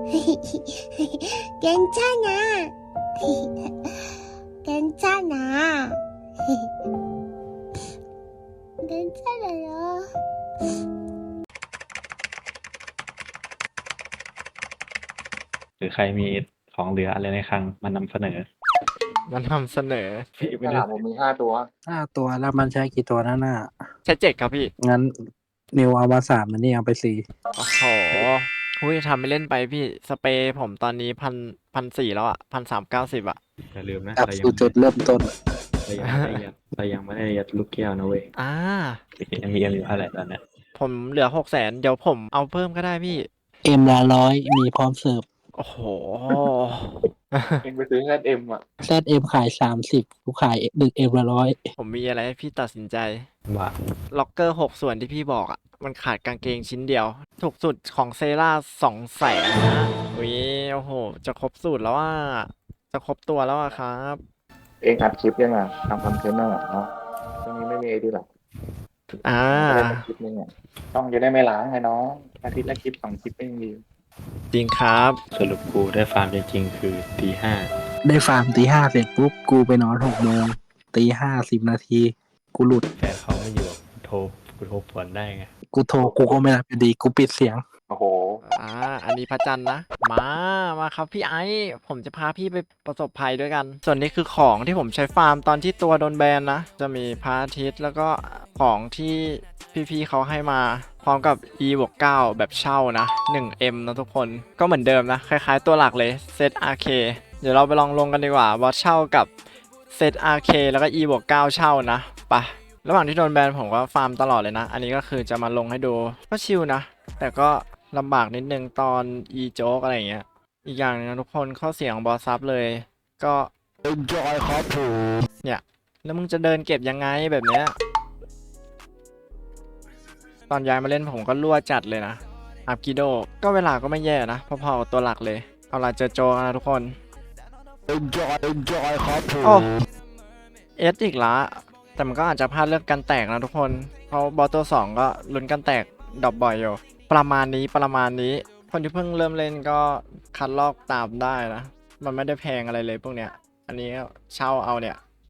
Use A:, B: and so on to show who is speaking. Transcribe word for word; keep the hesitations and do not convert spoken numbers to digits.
A: 괜찮아. 괜찮아. 괜찮아요.
B: หรือใครมีของเหลืออะไรในคลังมานำเสนอ
C: มันทำเสนอ
B: พี่ไม่
D: ฉ
B: ได้
D: ลามผมมีห้าตัว
E: ห้าตัวแล้วมันใช้กี่ตัวนั่นน่ะ
C: ใช้เจ็ดครับพี่
E: งั้นนิวเอามาสามมันนี่เอาไปสี่
C: โอ้โหหุ้ยทำไม่เล่นไปพี่ สเปรย์ผมตอนนี้พันพันสี่แล้วอ่ะพันสามเก้าสิบอ่ะ
B: อย่าลืมนะ
E: กลับ
B: เรายัง
E: สู่จุดเริ่มต้น
B: เรายังไม่ได้ยัดเรายังไม่ได้ยัดลูกแก้วนะเว้ย
C: อ่า
B: ยังมีเอ็มอยู่เท่าไหร่ตอนเนี้ย
C: ผมเหลือหกแสนเดี๋ยวผมเอาเพิ่มก็ได้พี่
E: เอ็มละร้อยมีพร้อมเสิร์ฟ
C: โอ้โห
D: เองไปซื้อแค่เอ็มอ่ะ
E: แซดเอ็มขายสามสิบกูขายหนึ่งเอ็มละร้อย
C: ผมมีอะไรให้พี่ตัดสินใจ
B: ว่า
C: ล็อกเกอร์หกส่วนที่พี่บอกอ่ะ มันขาดกางเกงชิ้นเดียว ถูกสุดของเซราสองแสนนะอุ้ยโอ้โห จะครบสูตรแล้วว่า จะครบตัวแล้วอะครับ
D: เองอัดคลิปยังไงทำคอนเทนต์น่ะเนาะช่วงนี้ไม่มีไอดีหรอก
C: อ่า
D: ไม่ได้คลิปนึงอ่ะต้องจะได้ไม่ล้างไงน้องอาทิตย์ละคลิปสองคลิปเองดี
C: จริงครับ
B: สรุปกูได้ฟาร์มจริงๆคือตีห้า
E: ได้ฟาร์มตีห้าเสร็จปุ๊บกูไปนอนหกโมงตีห้าสิบนาทีกูหลุด
B: แฟนเขาไม่อยู่กูโทรกูโทรผวนได้ไง
E: กูโทรกูก็ไม่รับอยู่ดีกูปิดเสียง
D: โอ้โห
C: อ่า อันนี้พระจันทร์นะ มา มาครับพี่ไอซ์ผมจะพาพี่ไปประสบภัยด้วยกัน ส่วนนี้คือของที่ผมใช้ฟาร์มตอนที่ตัวโดนแบนนะ จะมีพระอาทิตย์แล้วก็ของที่พี่ๆเขาให้มา พร้อมกับ e บวกเก้าแบบเช่านะ หนึ่งเอ็ม นะทุกคน ก็เหมือนเดิมนะ คล้ายๆตัวหลักเลยเซต อาร์ เค เดี๋ยวเราไปลองลงกันดีกว่าว่าเช่ากับเซต อาร์ เค แล้วก็ e บวกเก้าเช่านะไปะระหว่างที่โดนแบนผมก็ฟาร์มตลอดเลยนะ อันนี้ก็คือจะมาลงให้ดูก็ชิลนะ แต่ก็ลำบากนิดนึงตอน e โจ๊กอะไรอย่างเงี้ย อีกอย่างหนึงนะทุกคนข้อเสียของบอสซับเลย ก็
E: enjoy ครับผม
C: เนี่ยแล้วมึงจะเดินเก็บยังไงแบบเนี้ย ตอนย้ายมาเล่นผมก็รั่วจัดเลยนะ อัพกิโด ก็เวลาก็ไม่แย่นะพอๆกับตัวหลักเลย เอาล่ะเจอโจกันนะทุกคน
E: enjoy enjoy ครับผ
C: โอ้
E: ม
C: เอสอีกละแต่มันก็อาจจะพลาดเรื่องการแตกนะทุกคน เพราะบอสตัวสองก็ลุ้นการแตกดรอปบ่อยอยู่ ประมาณนี้ประมาณนี้ คนที่เพิ่งเริ่มเล่นก็คัดลอกตามได้นะ มันไม่ได้แพงอะไรเลยพวกเนี้ย อันนี้เช่าเอาเนี่ย